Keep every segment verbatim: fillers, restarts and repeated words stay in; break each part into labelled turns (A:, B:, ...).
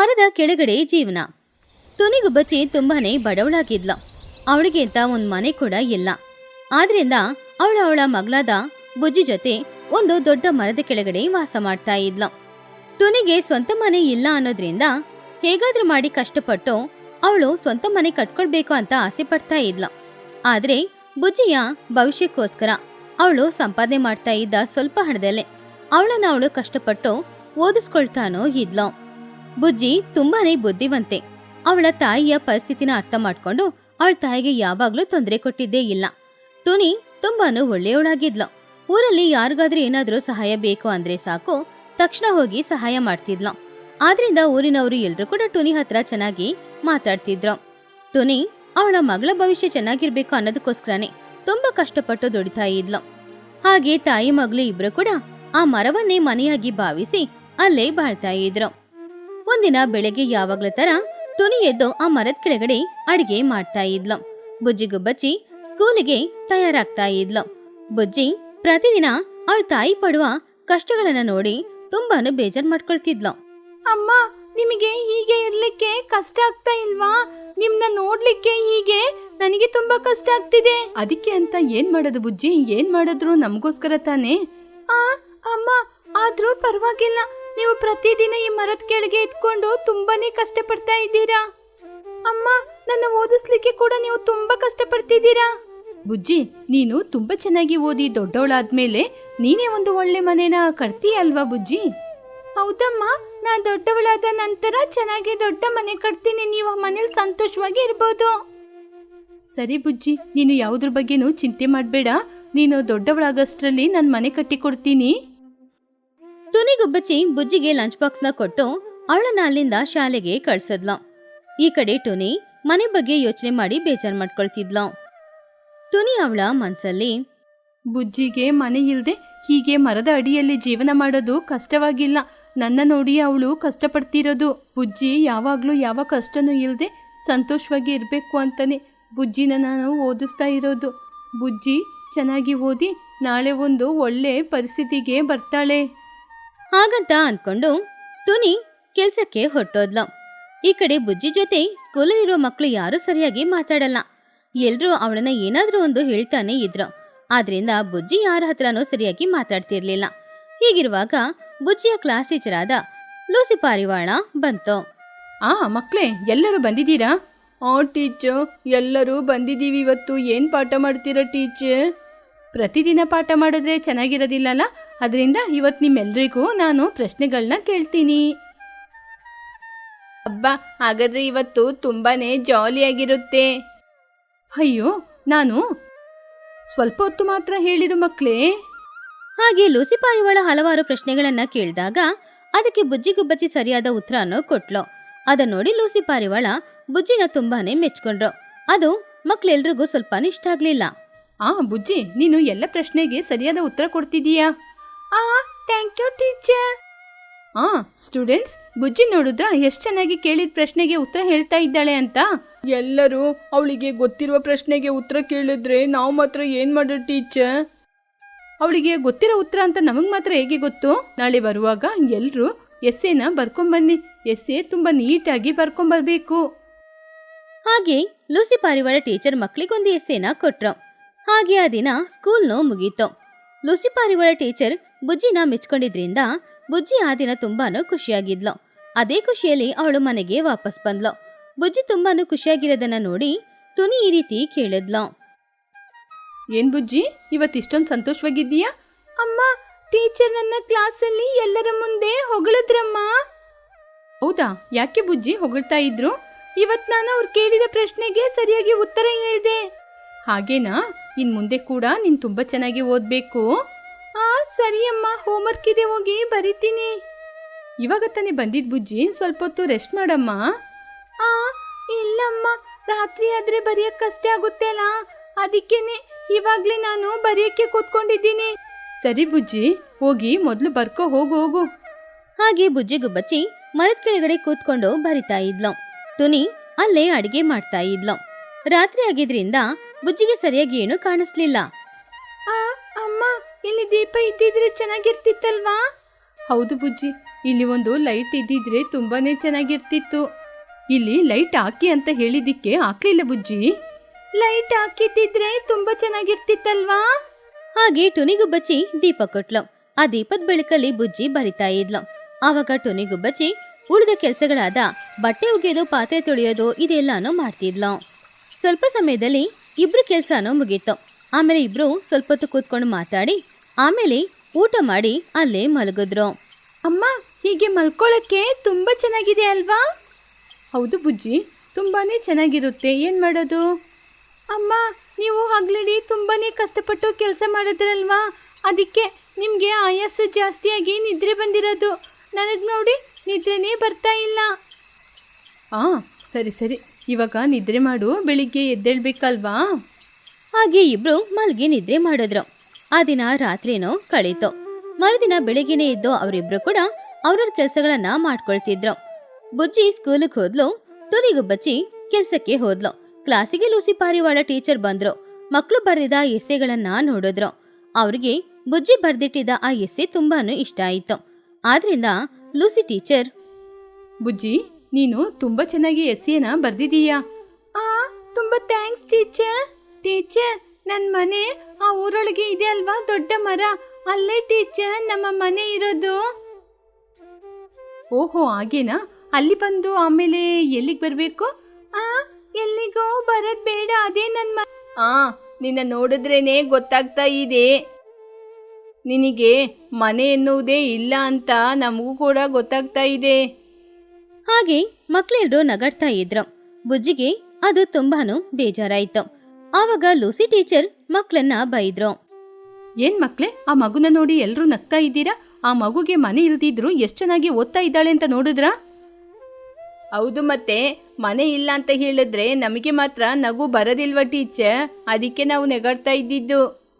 A: ಮರದ ಕೆಳಗಡೆ ಜೀವನ. ತುನಿಗುಬ್ಬಚ್ಚಿ ತುಂಬಾನೇ ಬಡವಳಾಗಿದ್ಲ. ಅವಳಿಗೆ ಅಂತ ಒಂದು ಮನೆ ಕೂಡ ಇಲ್ಲ. ಆದ್ರಿಂದ ಅವಳ ಅವಳ ಮಗಳಾದ ಬುಜ್ಜಿ ಜೊತೆ ಒಂದು ದೊಡ್ಡ ಮರದ ಕೆಳಗಡೆ ವಾಸ ಮಾಡ್ತಾ ಇದ್ಲು. ತುನಿಗೆ ಸ್ವಂತ ಮನೆ ಇಲ್ಲ ಅನ್ನೋದ್ರಿಂದ ಹೇಗಾದ್ರೂ ಮಾಡಿ ಕಷ್ಟಪಟ್ಟು ಅವಳು ಸ್ವಂತ ಮನೆ ಕಟ್ಕೊಳ್ಬೇಕು ಅಂತ ಆಸೆ ಪಡ್ತಾ ಇದ್ಲು. ಆದ್ರೆ ಬುಜ್ಜಿಯ ಭವಿಷ್ಯಕ್ಕೋಸ್ಕರ ಅವಳು ಸಂಪಾದನೆ ಮಾಡ್ತಾ ಇದ್ದ ಸ್ವಲ್ಪ ಹಣದಲ್ಲೇ ಅವಳನ್ನ ಅವಳು ಕಷ್ಟಪಟ್ಟು ಓದಿಸ್ಕೊಳ್ತಾನೋ ಇದ್ಲು. ಬುಜ್ಜಿ ತುಂಬಾನೇ ಬುದ್ಧಿವಂತೆ. ಅವಳ ತಾಯಿಯ ಪರಿಸ್ಥಿತಿನ ಅರ್ಥ ಮಾಡ್ಕೊಂಡು ಅವಳ ತಾಯಿಗೆ ಯಾವಾಗ್ಲೂ ತೊಂದರೆ ಕೊಟ್ಟಿದ್ದೇ ಇಲ್ಲ. ತುನಿ ತುಂಬಾನು ಒಳ್ಳೆಯವಳಾಗಿದ್ಲು. ಊರಲ್ಲಿ ಯಾರಿಗಾದ್ರೂ ಏನಾದ್ರೂ ಸಹಾಯ ಬೇಕು ಅಂದ್ರೆ ಸಾಕು, ತಕ್ಷಣ ಹೋಗಿ ಸಹಾಯ ಮಾಡ್ತಿದ್ಲು. ಆದ್ರಿಂದ ಊರಿನವರು ಎಲ್ರು ಕೂಡ ಟುನಿ ಹತ್ರ ಚೆನ್ನಾಗಿ ಮಾತಾಡ್ತಿದ್ರು. ಟುನಿ ಅವಳ ಮಗಳ ಭವಿಷ್ಯ ಚೆನ್ನಾಗಿರ್ಬೇಕು ಅನ್ನೋದಕ್ಕೋಸ್ಕರನೇ ತುಂಬಾ ಕಷ್ಟಪಟ್ಟು ದುಡಿತಾ ಇದ್ಲು. ಹಾಗೆ ತಾಯಿ ಮಗಳು ಇಬ್ರು ಕೂಡ ಆ ಮರವನ್ನೇ ಮನೆಯಾಗಿ ಭಾವಿಸಿ ಅಲ್ಲೇ ಬಾಳ್ತಾ ಇದ್ರು. ಒಂದಿನ ಬೆಳಗ್ಗೆ ಯಾವಾಗ್ಲ ತರ ಟುನಿ ಎದ್ದು ಆ ಮರದ ಕೆಳಗಡೆ ಅಡಿಗೆ ಮಾಡ್ತಾ ಇದ್ಲು. ಬುಜ್ಜಿಗುಬ್ಬಚ್ಚಿ ಸ್ಕೂಲಿಗೆ ತಯಾರಾಗ್ತಾ ಇದ್ಲು. ಬುಜ್ಜಿ ಪ್ರತಿದಿನ ಅವಳ ತಾಯಿ ಪಡುವ ಕಷ್ಟಗಳನ್ನ ನೋಡಿ ತುಂಬಾನು ಬೇಜಾರ್ ಮಾಡ್ಕೊಳ್ತಿದ್ಲು.
B: ಅಮ್ಮ, ನಿಮಗೆ ಹೀಗೆ ಇರ್ಲಿಕ್ಕೆ ಕಷ್ಟ ಆಗ್ತಾ ಇಲ್ವಾ? ನಿಮ್ನ ನೋಡ್ಲಿಕ್ಕೆ ಹೀಗೆ ನನಗೆ ತುಂಬಾ ಕಷ್ಟ ಆಗ್ತಿದೆ.
C: ಅದಕ್ಕೆ ಅಂತ ಏನ್ ಮಾಡೋದು ಬುಜ್ಜಿ? ಏನ್ ಮಾಡಿದ್ರು ನಮಗೋಸ್ಕರ ತಾನೇ.
B: ಆ ಅಮ್ಮ, ಆದ್ರೂ ಪರವಾಗಿಲ್ಲ. ನೀವು ಪ್ರತಿದಿನ ಈ ಮರದ ಕೆಳಗೆ ಇದ್ಕೊಂಡು ತುಂಬಾನೇ ಕಷ್ಟ ಪಡ್ತಾ ಇದ್ದೀರಾ. ಅಮ್ಮ, ನನ್ನ ಓದಿಸ್ಲಿಕ್ಕೆ ಕೂಡ ನೀವು ತುಂಬಾ ಕಷ್ಟ ಪಡ್ತಿದ್ದೀರಾ.
C: ಬುಜ್ಜಿ, ನೀನು ತುಂಬಾ ಚೆನ್ನಾಗಿ ಓದಿ ದೊಡ್ಡವಳಾದ್ಮೇಲೆ ನೀನೇ ಒಂದು ಒಳ್ಳೆ ಮನೇನ ಕಟ್ತೀಯ ಅಲ್ವಾ ಬುಜ್ಜಿ?
B: ಹೌದಮ್ಮ, ನಾ ದೊಡ್ಡವಳಾದ ನಂತರ ಚೆನ್ನಾಗಿ ದೊಡ್ಡ ಮನೆ ಕಟ್ತೀನಿ. ನೀವು ಆ ಮನೇಲಿ ಸಂತೋಷವಾಗಿ ಇರ್ಬೋದು.
C: ಸರಿ ಬುಜ್ಜಿ, ನೀನು ಯಾವುದ್ರ ಬಗ್ಗೆನೂ ಚಿಂತೆ ಮಾಡಬೇಡ. ನೀನು ದೊಡ್ಡವಳಾಗಷ್ಟರಲ್ಲಿ ನಾನು ಮನೆ ಕಟ್ಟಿ ಕೊಡ್ತೀನಿ.
A: ಟುನಿಗುಬ್ಬಚ್ಚಿ ಬುಜ್ಜಿಗೆ ಲಂಚ್ ಬಾಕ್ಸ್ ನ ಕೊಟ್ಟು ಅವಳನ್ನ ಅಲ್ಲಿಂದ ಶಾಲೆಗೆ ಕಳ್ಸದ್ಲು. ಈ ಕಡೆ ಟುನಿ ಮನೆ ಬಗ್ಗೆ ಯೋಚನೆ ಮಾಡಿ ಬೇಜಾರ್ ಮಾಡ್ಕೊಳ್ತಿದ್ಲು. ಟುನಿ ಅವಳ ಮನ್ಸಲ್ಲಿ,
C: ಬುಜ್ಜಿಗೆ ಮನೆ ಇಲ್ದೆ ಹೀಗೆ ಮರದ ಅಡಿಯಲ್ಲಿ ಜೀವನ ಮಾಡೋದು ಕಷ್ಟವಾಗಿಲ್ಲ. ನನ್ನ ನೋಡಿ ಅವಳು ಕಷ್ಟಪಡ್ತಿರೋದು. ಬುಜ್ಜಿ ಯಾವಾಗ್ಲೂ ಯಾವ ಕಷ್ಟನೂ ಇಲ್ಲದೆ ಸಂತೋಷವಾಗಿ ಇರಬೇಕು ಅಂತಾನೆ ಬುಜ್ಜಿನ ನಾನು ಓದಿಸ್ತಾ ಇರೋದು. ಬುಜ್ಜಿ ಚೆನ್ನಾಗಿ ಓದಿ ನಾಳೆ ಒಂದು ಒಳ್ಳೆ ಪರಿಸ್ಥಿತಿಗೆ ಬರ್ತಾಳೆ.
A: ಹಾಗಂತ ಅನ್ಕೊಂಡು ಟುನಿ ಕೆಲ್ಸಕ್ಕೆ ಹೊರಟೋದ್ಲು. ಈ ಕಡೆ ಬುಜ್ಜಿ ಜೊತೆ ಸ್ಕೂಲಲ್ಲಿರೋ ಮಕ್ಕಳು ಯಾರೂ ಸರಿಯಾಗಿ ಮಾತಾಡಲ್ಲ. ಎಲ್ರೂ ಅವಳನ್ನ ಏನಾದ್ರೂ ಒಂದು ಹೇಳ್ತಾನೆ ಇದ್ರು. ಆದ್ರಿಂದ ಬುಜ್ಜಿ ಯಾರ ಹತ್ರನೂ ಸರಿಯಾಗಿ ಮಾತಾಡ್ತಿರ್ಲಿಲ್ಲ. ಹೀಗಿರುವಾಗ ಬುಜ್ಜಿಯ ಕ್ಲಾಸ್ ಟೀಚರ್ ಆದ ಲೂಸಿ ಪಾರಿವಾಳ ಬಂತು.
C: ಆ ಮಕ್ಕಳೇ, ಎಲ್ಲರೂ ಬಂದಿದ್ದೀರಾ? ಆ ಟೀಚರ್, ಎಲ್ಲರೂ ಬಂದಿದ್ದೀವಿ. ಇವತ್ತು ಏನು ಪಾಠ ಮಾಡ್ತೀರಾ ಟೀಚರ್? ಪ್ರತಿದಿನ ಪಾಠ ಮಾಡಿದ್ರೆ ಚೆನ್ನಾಗಿರೋದಿಲ್ಲಲ್ಲ, ಅದರಿಂದ ಇವತ್ತು ನಿಮ್ಮೆಲ್ರಿಗೂ ನಾನು ಪ್ರಶ್ನೆಗಳನ್ನ ಕೇಳ್ತೀನಿ.
B: ಹಬ್ಬ, ಹಾಗಾದ್ರೆ ಇವತ್ತು ತುಂಬಾನೇ ಜಾಲಿಯಾಗಿರುತ್ತೆ.
C: ಅಯ್ಯೋ, ನಾನು ಸ್ವಲ್ಪ ಹೊತ್ತು ಮಾತ್ರ ಹೇಳಿದು ಮಕ್ಕಳೇ.
A: ಹಾಗೆ ಲೂಸಿ ಪಾರಿವಾಳ ಹಲವಾರು ಪ್ರಶ್ನೆಗಳನ್ನ ಕೇಳಿದಾಗ ಅದಕ್ಕೆ ಬುಜ್ಜಿಗುಬ್ಬಚ್ಚಿ ಸರಿಯಾದ ಉತ್ತರವನ್ನು ಕೊಟ್ಲು. ಅದನ್ನ ನೋಡಿ ಲೂಸಿ ಪಾರಿವಾಳ ಬುಜ್ಜಿನ ತುಂಬಾನೇ ಮೆಚ್ಕೊಂಡ್ರು. ಅದು ಮಕ್ಳೆಲ್ರಿಗೂ ಸ್ವಲ್ಪ ಇಷ್ಟ ಆಗ್ಲಿಲ್ಲ.
C: ಆ ಬುಜ್ಜಿ, ನೀನು ಎಲ್ಲ ಪ್ರಶ್ನೆಗೆ ಸರಿಯಾದ ಉತ್ತರ ಕೊಡ್ತಿದೀಯಾ?
B: ಆ ಥ್ಯಾಂಕ್ ಯು ಟೀಚರ್.
C: ಆ ಸ್ಟೂಡೆಂಟ್ಸ್, ಬುಜ್ಜಿ ನೋಡಿದ್ರ ಎಷ್ಟು ಚೆನ್ನಾಗಿ ಕೇಳಿದ ಪ್ರಶ್ನೆಗೆ ಉತ್ತರ ಹೇಳ್ತಾ ಇದ್ದಾಳೆ ಅಂತ. ಎಲ್ಲರೂ ಅವಳಿಗೆ ಗೊತ್ತಿರುವ ಪ್ರಶ್ನೆಗೆ ಉತ್ತರ ಕೇಳಿದ್ರೆ ನಾವು ಮಾತ್ರ ಏನ್ ಮಾಡೋದು ಟೀಚರ್? ಅವಳಿಗೆ ಗೊತ್ತಿರೋ ಉತ್ತರ ಅಂತ ನಮಗ್ ಮಾತ್ರ ಹೇಗೆ ಗೊತ್ತು? ನಾಳೆ ಬರುವಾಗ ಎಲ್ರು ಎಸ್ಸೆನ ಬರ್ಕೊಂಬನ್ನಿ. ಎಸ್ಸೆ ತುಂಬಾ ನೀಟಾಗಿ ಬರ್ಕೊಂಬರ್ಬೇಕು.
A: ಹಾಗೆ ಲೂಸಿ ಪಾರಿವಾಳ ಟೀಚರ್ ಮಕ್ಳಿಗೊಂದು ಎಸ್ಸೆನ ಕೊಟ್ರು. ಹಾಗೆ ಆ ದಿನ ಸ್ಕೂಲ್ನು ಮುಗೀತು. ಲೂಸಿ ಪಾರಿವಾಳ ಟೀಚರ್ ಬುಜ್ಜಿನ ಮೆಚ್ಕೊಂಡಿದ್ರಿಂದ ಬುಜ್ಜಿ ಆ ದಿನ ತುಂಬಾನು ಖುಷಿಯಾಗಿದ್ಲು. ಅದೇ ಖುಷಿಯಲ್ಲಿ ಅವಳು ಮನೆಗೆ ವಾಪಸ್ ಬಂದ್ಲು. ಬುಜ್ಜಿ ತುಂಬಾನು ಖುಷಿಯಾಗಿರೋದನ್ನ ನೋಡಿ ಟುನಿ ಈ ರೀತಿ ಕೇಳಿದ್ಲು.
C: ಏನ್ ಬುಜ್ಜಿ, ಇವತ್ತಿಷ್ಟೊಂದು ಸಂತೋಷವಾಗಿದ್ದೀಯಾ?
B: ಅಮ್ಮ, ಟೀಚರ್ ನನ್ನ ಕ್ಲಾಸಲ್ಲಿ ಎಲ್ಲರ ಮುಂದೆ ಹೊಗಳಿದ್ರಮ್ಮ.
C: ಹೌದಾ? ಯಾಕೆ ಬುಜ್ಜಿ ಹೊಗಳ್ತಾ ಇದ್ರು?
B: ಇವತ್ ನಾನು ಅವ್ರು ಕೇಳಿದ ಪ್ರಶ್ನೆಗೆ ಸರಿಯಾಗಿ ಉತ್ತರ ಹೇಳಿದೆ.
C: ಹಾಗೇನಾ? ಇನ್ ಮುಂದೆ ಕೂಡ ನೀನ್ ತುಂಬಾ ಚೆನ್ನಾಗಿ ಓದ್ಬೇಕು.
B: ಆ ಸರಿ ಅಮ್ಮ, ಹೋಮ್ವರ್ಕ್ ಇದೆ, ಹೋಗಿ ಬರಿತೀನಿ.
C: ಇವಾಗ ತಾನೇ ಬಂದಿದ್ ಬುಜ್ಜಿ, ಸ್ವಲ್ಪ ಹೊತ್ತು ರೆಸ್ಟ್ ಮಾಡಮ್ಮ.
B: ಆ ಇಲ್ಲಮ್ಮ, ರಾತ್ರಿ ಆದ್ರೆ ಬರೆಯಕ್ ಕಷ್ಟ ಆಗುತ್ತೆ ಅಲ್ಲ, ಅದಕ್ಕೇನೆ ಇವಾಗ್ಲೇ ನಾನು ಬರೆಯಕ್ಕೆ ಕೂತ್ಕೊಂಡಿದ್ದೀನಿ.
C: ಸರಿ ಬುಜ್ಜಿ, ಹೋಗಿ ಮೊದ್ಲು ಬರ್ಕೋ, ಹೋಗು ಹೋಗು.
A: ಹಾಗೆ ಬುಜ್ಜಿಗುಬ್ಬಚ್ಚಿ ಮರದ ಕೆಳಗಡೆ ಕೂತ್ಕೊಂಡು ಬರಿತಾ ಇದ್ಲು. ಟುನಿ ಅಲ್ಲೇ ಅಡಿಗೆ ಮಾಡ್ತಾ ಇದ್ಲು. ರಾತ್ರಿ ಆಗಿದ್ರಿಂದ ಬುಜ್ಜಿಗೆ ಸರಿಯಾಗಿ ಏನು ಕಾಣಿಸ್ಲಿಲ್ಲ.
B: ಆ ಅಮ್ಮ, ಇಲ್ಲಿ ದೀಪ ಇದ್ದಿದ್ರೆ ಚೆನ್ನಾಗಿರ್ತಿತ್ತಲ್ವಾ?
C: ಹೌದು ಬುಜ್ಜಿ, ಇಲ್ಲಿ ಒಂದು ಲೈಟ್ ಇದ್ದಿದ್ರೆ ತುಂಬಾನೇ ಚೆನ್ನಾಗಿರ್ತಿತ್ತು. ಇಲ್ಲಿ ಲೈಟ್ ಹಾಕಿ ಅಂತ ಹೇಳಿದಿಕ್ಕೆ ಹಾಕ್ಲಿಲ್ಲ ಬುಜ್ಜಿ.
B: ಲೈಟ್ ಹಾಕಿದ್ದಿದ್ರೆ ತುಂಬಾ ಚೆನ್ನಾಗಿರ್ತಿತ್ತಲ್ವಾ?
A: ಹಾಗೆ ಟುನಿಗುಬ್ಬಚ್ಚಿ ದೀಪ ಕೊಟ್ಲು. ಆ ದೀಪದ ಬೆಳಕಲ್ಲಿ ಬುಜ್ಜಿ ಬರಿತಾ ಇದ್ಲು. ಆವಾಗ ಟುನಿಗುಬ್ಬಚ್ಚಿ ಉಳಿದ ಕೆಲಸಗಳಾದ ಬಟ್ಟೆ ಒಗೆಯೋದು, ಪಾತ್ರೆ ತೊಳೆಯೋದು ಇದೆಲ್ಲಾನು ಮಾಡ್ತಿದ್ಲು. ಸ್ವಲ್ಪ ಸಮಯದಲ್ಲಿ ಇಬ್ರು ಕೆಲಸನೂ ಮುಗೀತು. ಆಮೇಲೆ ಇಬ್ರು ಸ್ವಲ್ಪ ಹೊತ್ತು ಕೂತ್ಕೊಂಡು ಮಾತಾಡಿ ಆಮೇಲೆ ಊಟ ಮಾಡಿ ಅಲ್ಲೇ ಮಲಗಿದ್ರು.
B: ಅಮ್ಮ, ಹೀಗೆ ಮಲ್ಕೊಳ್ಳೋಕ್ಕೆ ತುಂಬಾ ಚೆನ್ನಾಗಿದೆ ಅಲ್ವಾ?
C: ಹೌದು ಬುಜ್ಜಿ, ತುಂಬಾನೇ ಚೆನ್ನಾಗಿರುತ್ತೆ. ಏನ್ ಮಾಡೋದು?
B: ಅಮ್ಮ, ನೀವು ಹಗಲಿಡಿ ತುಂಬಾನೇ ಕಷ್ಟಪಟ್ಟು ಕೆಲಸ ಮಾಡಿದ್ರಲ್ವಾ, ಅದಕ್ಕೆ ನಿಮಗೆ ಆಯಾಸ ಜಾಸ್ತಿಯಾಗಿ ನಿದ್ರೆ ಬಂದಿರೋದು. ನನಗೆ ನೋಡಿ ನಿದ್ರೆನೇ ಬರ್ತಾ ಇಲ್ಲ.
C: ಆ ಸರಿ ಸರಿ, ಇವಾಗ ನಿದ್ರೆ ಮಾಡು, ಬೆಳಿಗ್ಗೆ ಎದ್ದೇಳ್ಬೇಕಲ್ವಾ?
A: ಹಾಗೆ ಇಬ್ರು ಮಲ್ಗಿ ನಿದ್ರೆ ಮಾಡಿದ್ರು. ಆ ದಿನ ರಾತ್ರಿನೂ ಕಳೀತು. ಮರುದಿನ ಬೆಳಿಗ್ಗೆನೆ ಇದ್ದು ಅವರಿಬ್ರು ಕೂಡ ಅವ್ರವ್ರ ಕೆಲಸಗಳನ್ನ ಮಾಡ್ಕೊಳ್ತಿದ್ರು. ಬುಜ್ಜಿ ಸ್ಕೂಲಿಗೆ ಹೋದ್ಲು. ಟುನಿಗುಬ್ಬಚ್ಚಿ ಕೆಲ್ಸಕ್ಕೆ ಹೋದ್ಲು. ಕ್ಲಾಸಿಗೆ ಲೂಸಿ ಪಾರಿವಾಳ ಟೀಚರ್ ಬಂದ್ರು. ಮಕ್ಕಳು ಬರೆದಿದ್ದ ಎಸ್ಸೆಗಳನ್ನ ನೋಡಿದ್ರು. ಅವ್ರಿಗೆ ಬುಜ್ಜಿ ಬರ್ದಿಟ್ಟಿದ್ದ ಆ ಎಸ್ಸೆ ತುಂಬಾನು ಇಷ್ಟ ಆಯಿತು. ಆದ್ರಿಂದ ಲೂಸಿ ಟೀಚರ್,
C: ಬುಜ್ಜಿ, ನೀನು ತುಂಬಾ ಚೆನ್ನಾಗಿ ಎಸ್ಸಿಯನ್ನ ಬರ್ದಿದೀಯಾ.
B: ಆ ತುಂಬಾ ಥ್ಯಾಂಕ್ಸ್ ಟೀಚರ್. ಟೀಚರ್, ನನ್ನ ಮನೆ ಆ ಊರೊಳಗೆ ಇದೆ ಅಲ್ವಾ, ದೊಡ್ಡ ಮರ, ಅಲ್ಲೇ ಟೀಚರ್ ನಮ್ಮ ಮನೆ ಇರೋದು.
C: ಓಹೋ, ಹಾಗೇನಾ? ಅಲ್ಲಿ ಬಂದು ಆಮೇಲೆ ಎಲ್ಲಿಗೆ ಬರಬೇಕು?
B: ಆ ಎಲ್ಲಿಗೋ ಬರೋದ್ ಬೇಡ, ಅದೇ ನನ್ನ ಮ
C: ಆ ನಿನ್ನ ನೋಡಿದ್ರೇನೆ ಗೊತ್ತಾಗ್ತಾ ಇದೆ. ನಿನಗೆ ಮನೆ ಎನ್ನುವುದೇ ಇಲ್ಲ ಅಂತ ನಮಗೂ ಕೂಡ ಗೊತ್ತಾಗ್ತಾ ಇದೆ.
A: ಹಾಗೆ ಮಕ್ಳೆಲ್ರೂ ನಗಾಡ್ತಾ ಇದ್ರು. ಬುಜ್ಜಿಗೆ ಅದು ತುಂಬಾನು ಬೇಜಾರಾಯ್ತು. ಆವಾಗ ಲೂಸಿ ಟೀಚರ್ ಮಕ್ಳನ್ನ ಬೈದ್ರು.
C: ಏನ್ ಮಕ್ಳೆ, ಆ ಮಗುನ ನೋಡಿ ಎಲ್ರೂ ನಗ್ತಾ ಇದ್ದೀರಾ? ಆ ಮಗುಗೆ ಮನೆ ಇಲ್ದಿದ್ರು ಎಷ್ಟು ಚೆನ್ನಾಗಿ ಓದ್ತಾ ಇದ್ದಾಳೆ ಅಂತ ನೋಡಿದ್ರಾ? ಹೌದು, ಮತ್ತೆ ಮನೆ ಇಲ್ಲ ಅಂತ ಹೇಳಿದ್ರೆ ನಮಗೆ ಮಾತ್ರ ನಗು ಬರೋದಿಲ್ವ ಟೀಚರ್? ಅದಕ್ಕೆ ನಾವು ನೆಗಾಡ್ತಾ ಇದ್ದಿದ್ದು.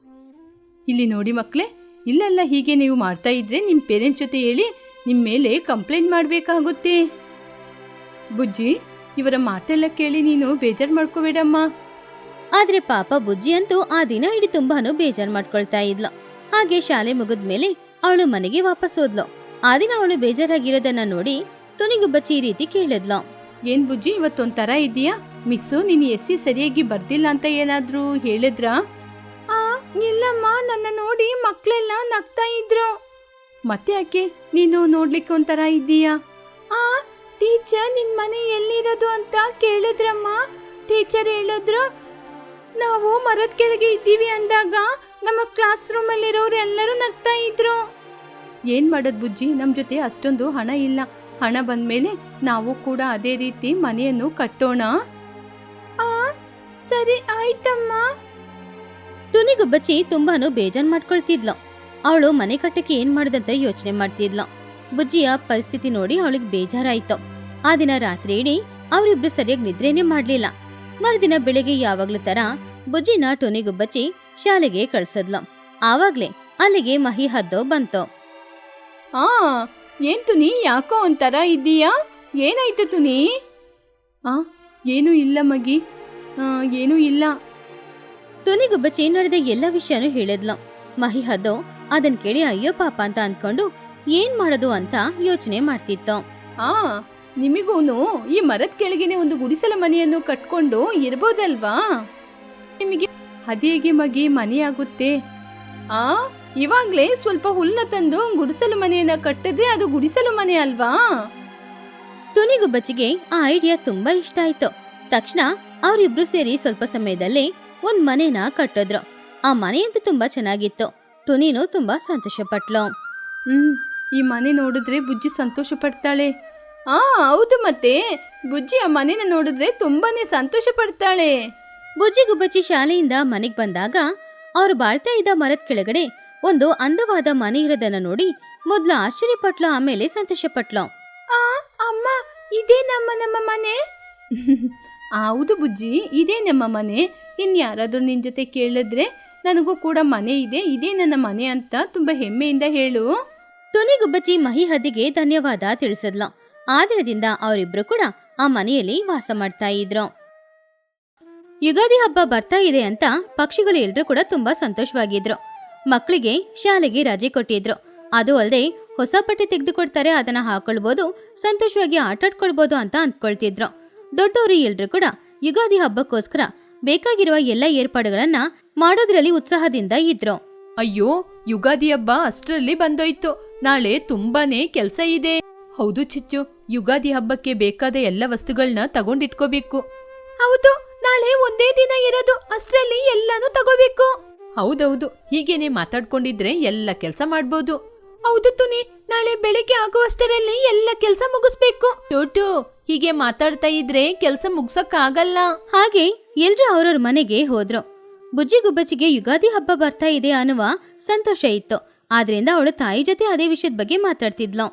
C: ಇಲ್ಲಿ ನೋಡಿ ಮಕ್ಳೆ, ಇಲ್ಲೆಲ್ಲ ಹೀಗೆ ನೀವು ಮಾಡ್ತಾ ಇದ್ರೆ ನಿಮ್ಮ ಪೇರೆಂಟ್ಸ್ ಜೊತೆ ಹೇಳಿ ನಿಮ್ಮ ಮೇಲೆ ಕಂಪ್ಲೇಂಟ್ ಮಾಡಬೇಕಾಗುತ್ತೆ. ಬುಜ್ಜಿ, ಇವರ ಮಾತೆಲ್ಲ ಕೇಳಿ ನೀನು ಬೇಜಾರು ಮಾಡ್ಕೋಬೇಡಮ್ಮ.
A: ಆದ್ರೆ ಪಾಪ ಬುಜ್ಜಿ ಅಂತೂ ಆ ದಿನ ಇಡೀ ತುಂಬಾನು ಬೇಜಾರ್ ಮಾಡ್ಕೊಳ್ತಾ ಇದ್ಲು. ಹಾಗೆ ಶಾಲೆ ಮುಗಿದ್ಮೇಲೆ ಅವಳು ಮನೆಗೆ ವಾಪಸ್ ಹೋದ್ಲು. ಆ ದಿನ ಅವಳು ಬೇಜಾರಾಗಿರೋದನ್ನ ನೋಡಿ ಟುನಿಗುಬ್ಬಚ್ಚಿ ಈ ರೀತಿ ಕೇಳಿದ್ಲು.
C: ಏನ್ ಬುಜ್ಜಿ, ಇವತ್ತೊಂಥರ ಇದೆಯಾ? ಮಿಸ್ಸು ನೀನು ಎಸ್ಸಿ ಸರಿಯಾಗಿ ಬರ್ದಿಲ್ಲ ಅಂತ ಏನಾದ್ರೂ ಹೇಳಿದ್ರಾ?
B: ಆ ಇಲ್ಲಮ್ಮ, ನನ್ನ ನೋಡಿ ಮಕ್ಕಳೆಲ್ಲ ನಗ್ತಾ ಇದ್ರು.
C: ಮತ್ತೆ ಯಾಕೆ ನೀನು ನೋಡ್ಲಿಕ್ಕೆ ಒಂಥರ ಇದ್ದೀಯಾ?
B: ಆ ಟೀಚರ್, ನಿನ್ ಮನೆ ಎಲ್ಲಿರೋದು ಅಂತ ಕೇಳಿದ್ರಮ್ಮ. ಟೀಚರ್ ಹೇಳಿದ್ರು, ನಾವು ಮರದ ಕೆಳಗೆ ಇದ್ದೀವಿ ಅಂದಾಗ ನಮ್ಮ ಕ್ಲಾಸ್ ರೂಮ್ ಅಲ್ಲಿರೋರು ಎಲ್ಲರೂ ನಗ್ತಾ ಇದ್ರು.
C: ಏನ್ ಮಾಡೋದ್ ಬುಜ್ಜಿ, ನಮ್ ಜೊತೆ ಅಷ್ಟೊಂದು ಹಣ ಇಲ್ಲ. ಹಣ ಬಂದ್ಮೇಲೆ ನಾವು ಕೂಡ ಅದೇ ರೀತಿ ಮನೆಯನ್ನು ಕಟ್ಟೋಣ.
B: ಆ ಸರಿ ಆಯ್ತಮ್ಮ.
A: ಟುನಿಗುಬ್ಬಚ್ಚಿ ತುಂಬಾನು ಬೇಜಾರ್ ಮಾಡ್ಕೊಳ್ತಿದ್ಲು. ಅವಳು ಮನೆ ಕಟ್ಟಕ್ಕೆ ಏನ್ ಮಾಡೋದಂತ ಯೋಚನೆ ಮಾಡ್ತಿದ್ಲು. ಬುಜ್ಜಿಯ ಪರಿಸ್ಥಿತಿ ನೋಡಿ ಅವಳಿಗೆ ಬೇಜಾರಾಯ್ತು. ಆ ದಿನ ರಾತ್ರಿ ಇಡೀ ಅವರಿಬ್ರು ಸರಿಯಾಗಿ ನಿದ್ರೇನೆ ಮಾಡ್ಲಿಲ್ಲ. ಮರುದಿನ ಬೆಳಿಗ್ಗೆ ಯಾವಾಗ್ಲೂ ತರ ಬುಜ್ಜಿನ ಟುನಿಗುಬ್ಬಚ್ಚಿ ಶಾಲೆಗೆ ಕಳ್ಸದ್ಲು. ಆವಾಗ್ಲೇ ಅಲ್ಲಿಗೆ ಮಹಿ ಹದ್ದು ಬಂತು.
C: ಆ ಏನ್ ತುನಿ, ಯಾಕೋ ಒಂಥರ ಇದ್ದೀಯಾ? ಏನಾಯ್ತು ತುನಿ? ಆ ಏನೂ ಇಲ್ಲ ಮಗಿ, ಏನೂ ಇಲ್ಲ.
A: ಟುನಿಗುಬ್ಬಚ್ಚಿ ನಡೆದ ಎಲ್ಲ ವಿಷಯನೂ ಹೇಳಿದ್ಲು. ಮಹಿ ಹದ್ದು ಅದನ್ ಕೇಳಿ ಅಯ್ಯೋ ಪಾಪ ಅಂತ ಅಂದ್ಕೊಂಡು ಏನ್ ಮಾಡೋದು ಅಂತ ಯೋಚನೆ ಮಾಡ್ತಿತ್ತು.
C: ಆ ನಿಮಿಗೂನು ಈ ಮರದ ಕೆಳಗೆನೆ ಒಂದು ಗುಡಿಸಲ ಮನೆಯನ್ನು ಕಟ್ಕೊಂಡು ಇರ್ಬೋದಲ್ವಾ? ನಿಮಗೆ ಅದೇಗೆ ಮಗಿ ಮನೆ ಆಗುತ್ತೆ? ಆ ಇವಾಗ್ಲೇ ಸ್ವಲ್ಪ ಹುಲ್ನ ತಂದು ಗುಡಿಸಲು ಮನೆಯನ್ನ ಕಟ್ಟಿದ್ರೆ ಅದು ಗುಡಿಸಲು ಮನೆ ಅಲ್ವಾ?
A: ಟುನಿಗುಬ್ಬಚ್ಚಿಗೆ ಆ ಐಡಿಯಾ ತುಂಬಾ ಇಷ್ಟ ಆಯ್ತು. ತಕ್ಷಣ ಅವರಿಬ್ರು ಸೇರಿ ಸ್ವಲ್ಪ ಸಮಯದಲ್ಲಿ ಒಂದ್ ಮನೆನ ಕಟ್ಟಿದ್ರು. ಆ ಮನೆಯಂತೂ ತುಂಬಾ ಚೆನ್ನಾಗಿತ್ತು. ಟುನಿನು ತುಂಬಾ ಸಂತೋಷ ಪಟ್ಲು.
C: ಹ್ಮ್ ಈ ಮನೆ ನೋಡಿದ್ರೆ ಬುಜ್ಜಿ ಸಂತೋಷ ಪಡ್ತಾಳೆ. ಆ ಹೌದು, ಮತ್ತೆ ಬುಜ್ಜಿ ಆ ಮನೆನ ನೋಡಿದ್ರೆ ತುಂಬಾನೇ ಸಂತೋಷ ಪಡ್ತಾಳೆ.
A: ಬುಜ್ಜಿಗುಬ್ಬಚ್ಚಿ ಶಾಲೆಯಿಂದ ಮನೆಗ್ ಬಂದಾಗ ಅವ್ರು ಬಾಳ್ತಾ ಇದ್ದ ಮರದ ಕೆಳಗಡೆ ಒಂದು ಅಂದವಾದ ಮನೆ ಇರೋದನ್ನ ನೋಡಿ ಮೊದ್ಲು ಆಶ್ಚರ್ಯಪಟ್ಲು, ಆಮೇಲೆ ಸಂತೋಷ ಪಟ್ಲು.
B: ಆ ಅಮ್ಮ, ಇದೇ ನಮ್ಮ ನಮ್ಮ ಮನೆ.
C: ಹೌದು ಬುಜ್ಜಿ, ಇದೇ ನಮ್ಮ ಮನೆ. ಇನ್ ಯಾರಾದ್ರೂ ನಿನ್ ಜೊತೆ ಕೇಳಿದ್ರೆ ನನಗೂ ಕೂಡ ಮನೆ ಇದೆ, ಇದೇ ನನ್ನ ಮನೆ ಅಂತ ತುಂಬಾ ಹೆಮ್ಮೆಯಿಂದ ಹೇಳು.
A: ಟುನಿಗುಬ್ಬಚ್ಚಿ ಮಹಿ ಹದ್ದಿಗೆ ಧನ್ಯವಾದ ತಿಳಿಸಿದ್ಲು. ಆ ದಿನದಿಂದ ಅವರಿಬ್ರು ಕೂಡ ಆ ಮನೆಯಲ್ಲಿ ವಾಸ ಮಾಡ್ತಾ ಇದ್ರು. ಯುಗಾದಿ ಹಬ್ಬ ಬರ್ತಾ ಇದೆ ಅಂತ ಪಕ್ಷಿಗಳು ಎಲ್ರೂ ಕೂಡ ತುಂಬಾ ಸಂತೋಷವಾಗಿದ್ರು. ಮಕ್ಕಳಿಗೆ ಶಾಲೆಗೆ ರಜೆ ಕೊಟ್ಟಿದ್ರು. ಅದು ಅಲ್ಲದೆ ಹೊಸ ಬಟ್ಟೆ ತೆಗೆದುಕೊಡ್ತಾರೆ, ಅದನ್ನ ಹಾಕೊಳ್ಬೋದು, ಸಂತೋಷವಾಗಿ ಆಟಾಡ್ಕೊಳ್ಬೋದು ಅಂತ ಅಂದ್ಕೊಳ್ತಿದ್ರು. ದೊಡ್ಡವರು ಎಲ್ರು ಕೂಡ ಯುಗಾದಿ ಹಬ್ಬಕ್ಕೋಸ್ಕರ ಬೇಕಾಗಿರುವ ಎಲ್ಲ ಏರ್ಪಾಡುಗಳನ್ನ ಮಾಡೋದ್ರಲ್ಲಿ ಉತ್ಸಾಹದಿಂದ ಇದ್ರು.
C: ಅಯ್ಯೋ, ಯುಗಾದಿ ಹಬ್ಬ ಅಷ್ಟರಲ್ಲಿ ಬಂದೋಯ್ತು. ನಾಳೆ ತುಂಬಾನೇ ಕೆಲ್ಸ ಇದೆ. ಹೌದು ಚಿಚ್ಚು, ಯುಗಾದಿ ಹಬ್ಬಕ್ಕೆ ಬೇಕಾದ ಎಲ್ಲ ವಸ್ತುಗಳನ್ನ ತಗೊಂಡಿಟ್ಕೋಬೇಕು.
B: ಹೌದು, ನಾಳೆ ಒಂದೇ ದಿನ ಇರೋದು, ಅಷ್ಟರಲ್ಲಿ ಎಲ್ಲಾನು ತಗೋಬೇಕು.
C: ಹೌದೌದು, ಹೀಗೇನೆ ಮಾತಾಡ್ಕೊಂಡಿದ್ರೆ ಎಲ್ಲ ಕೆಲ್ಸ ಮಾಡ್ಬೋದು.
B: ಹೌದು ತುನಿ, ನಾಳೆ ಬೆಳಿಗ್ಗೆ ಆಗುವಷ್ಟರಲ್ಲಿ ಎಲ್ಲ ಕೆಲಸ ಮುಗಿಸ್ಬೇಕು.
C: ಟೋಟು, ಹೀಗೆ ಮಾತಾಡ್ತಾ ಇದ್ರೆ ಕೆಲ್ಸ ಮುಗ್ಸಕ್ ಆಗಲ್ಲ.
A: ಹಾಗೆ ಎಲ್ರು ಅವ್ರವ್ರ ಮನೆಗೆ ಹೋದ್ರು. ಬುಜ್ಜಿ ಗುಬ್ಬಚ್ಚಿಗೆ ಯುಗಾದಿ ಹಬ್ಬ ಬರ್ತಾ ಇದೆ ಅನ್ನುವ ಸಂತೋಷ ಇತ್ತು. ಆದ್ರಿಂದ ಅವಳು ತಾಯಿ ಜೊತೆ ಅದೇ ವಿಷಯದ ಬಗ್ಗೆ ಮಾತಾಡ್ತಿದ್ಲು.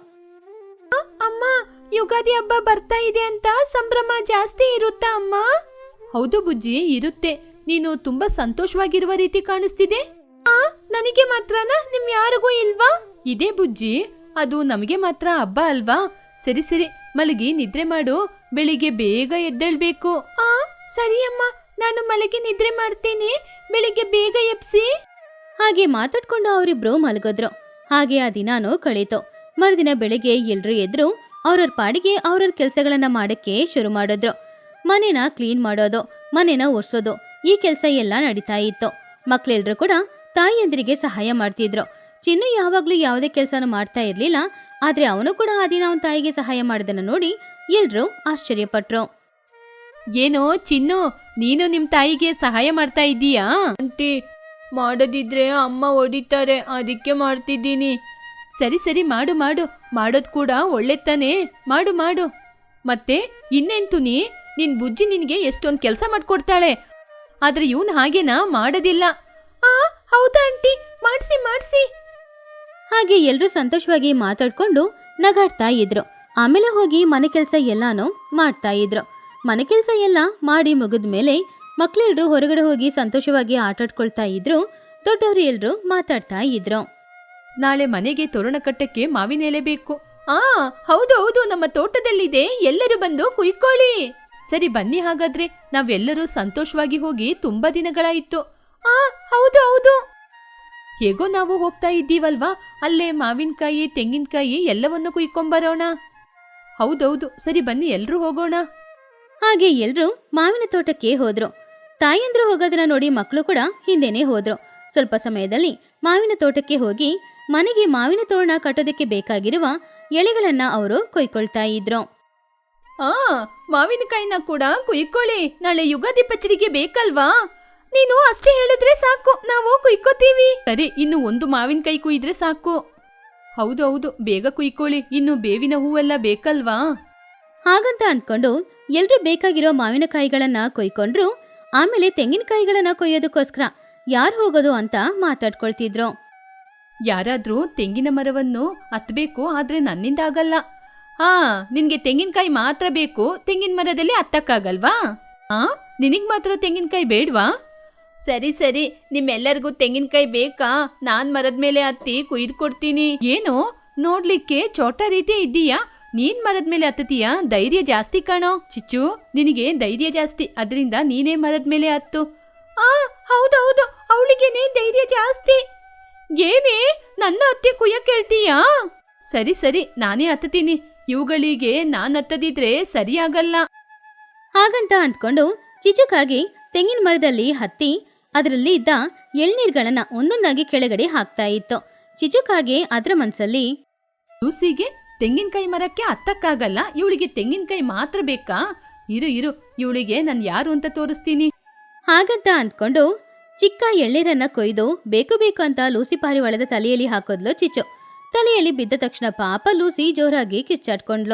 B: ಅಮ್ಮ, ಯುಗಾದಿ ಹಬ್ಬ ಬರ್ತಾ ಇದೆ ಅಂತ ಸಂಭ್ರಮ ಜಾಸ್ತಿ ಇರುತ್ತಾ ಅಮ್ಮ?
C: ಹೌದು ಬುಜ್ಜಿ, ಇರುತ್ತೆ. ನೀನು ತುಂಬಾ ಸಂತೋಷವಾಗಿರುವ ರೀತಿ ಕಾಣಿಸ್ತಿದೆ.
B: ಆ, ನನಗೆ ಮಾತ್ರನಾ? ನಿಮ್ ಯಾರಿಗೂ ಇಲ್ವಾ?
C: ಇದೇ ಬುಜ್ಜಿ, ಅದು ನಮಗೆ ಮಾತ್ರ ಹಬ್ಬ ಅಲ್ವಾ? ಸರಿ ಸರಿ, ಮಲಗಿ ನಿದ್ರೆ ಮಾಡು. ಬೆಳಿಗ್ಗೆ ಬೇಗ ಎದ್ದೇಳ್ಬೇಕು.
B: ಆ, ಸರಿ ಅಮ್ಮ, ನಾನು ಮಲಗಿ ನಿದ್ರೆ ಮಾಡ್ತೀನಿ. ಬೆಳಿಗ್ಗೆ ಬೇಗ ಎಬ್ಸಿ.
A: ಹಾಗೆ ಮಾತಾಡ್ಕೊಂಡು ಅವರಿಬ್ರು ಮಲಗಿದ್ರು. ಹಾಗೆ ಆ ದಿನಾನು ಕಳೀತು. ಮರುದಿನ ಬೆಳಿಗ್ಗೆ ಎಲ್ರು ಎದ್ರು ಅವ್ರವ್ರ ಪಾಡಿಗೆ ಅವ್ರವ್ರ ಕೆಲ್ಸಗಳನ್ನ ಮಾಡಕ್ಕೆ ಶುರು ಮಾಡಿದ್ರು. ಮನೇನ ಕ್ಲೀನ್ ಮಾಡೋದು, ಮನೇನ ಒರ್ಸೋದು, ಈ ಕೆಲ್ಸ ಎಲ್ಲ ನಡೀತಾ ಇತ್ತು. ಮಕ್ಳೆಲ್ರು ಕೂಡ ತಾಯಿಯಂದ್ರಿಗೆ ಸಹಾಯ ಮಾಡ್ತಿದ್ರು. ಚಿನ್ನು ಯಾವಾಗ್ಲೂ ಯಾವುದೇ ಕೆಲ್ಸನೂ ಮಾಡ್ತಾ ಇರ್ಲಿಲ್ಲ. ಆದ್ರೆ ಅವನು ಕೂಡ ಆ ದಿನ ಅವನ ತಾಯಿಗೆ ಸಹಾಯ ಮಾಡೋದನ್ನ ನೋಡಿ ಎಲ್ರು ಆಶ್ಚರ್ಯಪಟ್ರು.
C: ಏನೋ ಚಿನ್ನು, ನೀನು ನಿಮ್ ತಾಯಿಗೆ ಸಹಾಯ ಮಾಡ್ತಾ ಇದ್ದೀಯಾ? ಆಂಟಿ, ಮಾಡೋದಿದ್ರೆ ಅಮ್ಮ ಹೊಡಿತಾರೆ, ಅದಕ್ಕೆ ಮಾಡ್ತಿದ್ದೀನಿ. ಸರಿ ಸರಿ, ಮಾಡು ಮಾಡು, ಮಾಡೋದ್ ಕೂಡ ಒಳ್ಳೆ ತಾನೇ, ಮಾಡು ಮಾಡು. ಮತ್ತೆ ಇನ್ನೆಂತು ನೀ ನಿನ್ ಬುಜ್ಜಿ ನಿನ್ಗೆ ಎಷ್ಟೊಂದ್ ಕೆಲ್ಸ ಮಾಡ್ಕೊಡ್ತಾಳೆ. ಆದ್ರೆ ಇವನ್ ಹಾಗೇನಾ, ಮಾಡೋದಿಲ್ಲ.
B: ಆ, ಹೌದಾ ಆಂಟಿ, ಮಾಡ್ಸಿ ಮಾಡ್ಸಿ.
A: ಹಾಗೆ ಎಲ್ರು ಸಂತೋಷವಾಗಿ ಮಾತಾಡ್ಕೊಂಡು ನಗಾಡ್ತಾ ಇದ್ರು. ಆಮೇಲೆ ಹೋಗಿ ಮನೆ ಕೆಲ್ಸ ಎಲ್ಲಾನು ಮಾಡ್ತಾ ಇದ್ರು. ಮನೆ ಕೆಲ್ಸ ಎಲ್ಲ ಮಾಡಿ ಮುಗಿದ್ಮೇಲೆ ಮಕ್ಳೆಲ್ರು ಹೊರಗಡೆ ಹೋಗಿ ಸಂತೋಷವಾಗಿ ಆಟಾಡ್ಕೊಳ್ತಾ ಇದ್ರು. ದೊಡ್ಡವರು ಎಲ್ರು ಮಾತಾಡ್ತಾ ಇದ್ರು.
C: ನಾಳೆ ಮನೆಗೆ ತೋರಣ ಕಟ್ಟಕ್ಕೆ ಮಾವಿನ ಎಲೆ ಬೇಕು. ಆ, ಹೌದು ಹೌದು, ನಮ್ಮ ತೋಟದಲ್ಲಿದೆ, ಎಲ್ಲರೂ ಬಂದು ಕುಯ್ಕೊಳ್ಳಿ. ಸರಿ ಬನ್ನಿ, ಹಾಗಾದ್ರೆ ನಾವೆಲ್ಲರೂ ಸಂತೋಷವಾಗಿ ಹೋಗಿ ತುಂಬಾ ದಿನಗಳಾಯಿತು.
B: ಆ, ಹೌದು ಹೌದು.
C: ಹೇಗೋ ನಾವು ಹೋಗ್ತಾ ಇದ್ದೀವಲ್ವಾ, ಅಲ್ಲೇ ಮಾವಿನಕಾಯಿ, ತೆಂಗಿನಕಾಯಿ ಎಲ್ಲವನ್ನು ಕುಯ್ಕೊಂಬರೋಣ. ಹೌದೌದು, ಸರಿ ಬನ್ನಿ ಎಲ್ರೂ ಹೋಗೋಣ.
A: ಹಾಗೆ ಎಲ್ರು ಮಾವಿನ ತೋಟಕ್ಕೆ ಹೋದ್ರು. ತಾಯಂದ್ರು ಹೋಗೋದನ್ನ ನೋಡಿ ಮಕ್ಕಳು ಕೂಡ ಹಿಂದೆನೆ ಹೋದ್ರು. ಸ್ವಲ್ಪ ಸಮಯದಲ್ಲಿ ಮಾವಿನ ತೋಟಕ್ಕೆ ಹೋಗಿ ಮನೆಗೆ ಮಾವಿನ ತೋರಣ ಕಟ್ಟೋದಕ್ಕೆ ಬೇಕಾಗಿರುವ ಎಳೆಗಳನ್ನ ಅವರು ಕೊಯ್ಕೊಳ್ತಾ ಇದ್ರು.
C: ಆ, ಮಾವಿನಕಾಯಿನ ಕೂಡ ಕುಯ್ಕೊಳ್ಳಿ, ನಾಳೆ ಯುಗಾದಿ ಪಚ್ಚಡಿಗೆ ಬೇಕಲ್ವಾ?
B: ನೀನು ಅಷ್ಟೇ ಹೇಳಿದ್ರೆ ಸಾಕು, ನಾವು ಕುಯ್ಕೋತೀವಿ.
C: ಸರಿ, ಇನ್ನು ಒಂದು ಮಾವಿನಕಾಯಿ ಕುಯ್ದ್ರೆ ಸಾಕು. ಹೌದು ಹೌದು, ಬೇಗ ಕುಯ್ಕೊಳ್ಳಿ, ಇನ್ನು ಬೇವಿನ ಹೂವೆಲ್ಲ ಬೇಕಲ್ವಾ?
A: ಹಾಗಂತ ಅಂದ್ಕೊಂಡು ಎಲ್ರು ಬೇಕಾಗಿರೋ ಮಾವಿನಕಾಯಿಗಳನ್ನ ಕೊಯ್ಕೊಂಡ್ರು. ಆಮೇಲೆ ತೆಂಗಿನಕಾಯಿಗಳನ್ನ ಕೊಯ್ಯೋದಕ್ಕೋಸ್ಕರ ಯಾರು ಹೋಗೋದು ಅಂತ ಮಾತಾಡ್ಕೊಳ್ತಿದ್ರು.
C: ಯಾರಾದ್ರೂ ತೆಂಗಿನ ಮರವನ್ನು ಹತ್ಬೇಕು, ಆದ್ರೆ ನನ್ನಿಂದ ಆಗಲ್ಲ. ಹಾ, ನಿನ್ಗೆ ತೆಂಗಿನಕಾಯಿ ಮಾತ್ರ ಬೇಕು, ತೆಂಗಿನ ಮರದಲ್ಲಿ ಹತ್ತಕ್ಕಾಗಲ್ವಾ? ಆ, ನಿನಗ್ ಮಾತ್ರ ತೆಂಗಿನಕಾಯಿ ಬೇಡ್ವಾ? ಸರಿ ಸರಿ, ನಿಮ್ಮೆಲ್ಲರಿಗೂ ತೆಂಗಿನಕಾಯಿ ಬೇಕಾ? ನಾನ್ ಮರದ ಮೇಲೆ ಹತ್ತಿ ಕುಯ್ದು ಕೊಡ್ತೀನಿ. ಏನು, ನೋಡ್ಲಿಕ್ಕೆ ಚೋಟ ರೀತಿ ಇದ್ದೀಯಾ? ನೀನ್ ಮರದ ಮೇಲೆ ಹತ್ತತೀಯಾ? ಧೈರ್ಯ ಜಾಸ್ತಿ ಕಾಣೋ. ಚಿಚ್ಚು, ನಿನಗೆ ಧೈರ್ಯ ಜಾಸ್ತಿ, ಅದರಿಂದ ನೀನೇ ಮರದ ಮೇಲೆ ಹತ್ತು.
B: ಆ, ಹೌದೌದು, ಅವಳಿಗೇನೆ ಧೈರ್ಯ ಜಾಸ್ತಿ.
C: ಏನೇ, ನನ್ನ ಹತ್ತಿ ಕುಯ್ಯಕ್ ಹೇಳ್ತೀಯಾ? ಸರಿ ಸರಿ, ನಾನೇ ಹತ್ತೀನಿ. ಇವುಗಳಿಗೆ ನಾನ್ ಹತ್ತದಿದ್ರೆ ಸರಿಯಾಗಲ್ಲ.
A: ಹಾಗಂತ ಅಂದ್ಕೊಂಡು ಚಿಚುಕಾಗಿ ತೆಂಗಿನ ಮರದಲ್ಲಿ ಹತ್ತಿ ಅದರಲ್ಲಿ ಇದ್ದ ಎಳ್ನೀರ್ಗಳನ್ನ ಒಂದೊಂದಾಗಿ ಕೆಳಗಡೆ ಹಾಕ್ತಾ ಇತ್ತು. ಚಿಚುಕಾಗೆ ಅದ್ರ ಮನ್ಸಲ್ಲಿ,
C: ಲೂಸಿಗೆ ತೆಂಗಿನಕಾಯಿ ಮರಕ್ಕೆ ಹತ್ತಕ್ಕಾಗಲ್ಲ, ಇವಳಿಗೆ ತೆಂಗಿನಕಾಯಿ ಮಾತ್ರ ಬೇಕಾ? ಇರು ಇರು, ಇವಳಿಗೆ ನಾನು ಯಾರು ಅಂತ ತೋರಿಸ್ತೀನಿ.
A: ಹಾಗಂತ ಅಂದ್ಕೊಂಡು ಚಿಕ್ಕ ಎಳ್ನೀರನ್ನ ಕೊಯ್ದು ಬೇಕು ಬೇಕು ಅಂತ ಲೂಸಿ ಪಾರಿವಾಳದ ತಲೆಯಲ್ಲಿ ಹಾಕೋದ್ಲು ಚಿಚ್ಚು. ತಲೆಯಲ್ಲಿ ಬಿದ್ದ ತಕ್ಷಣ ಪಾಪ ಲೂಸಿ ಜೋರಾಗಿ ಕಿಚ್ಚಾಡ್ಕೊಂಡ್ಲು.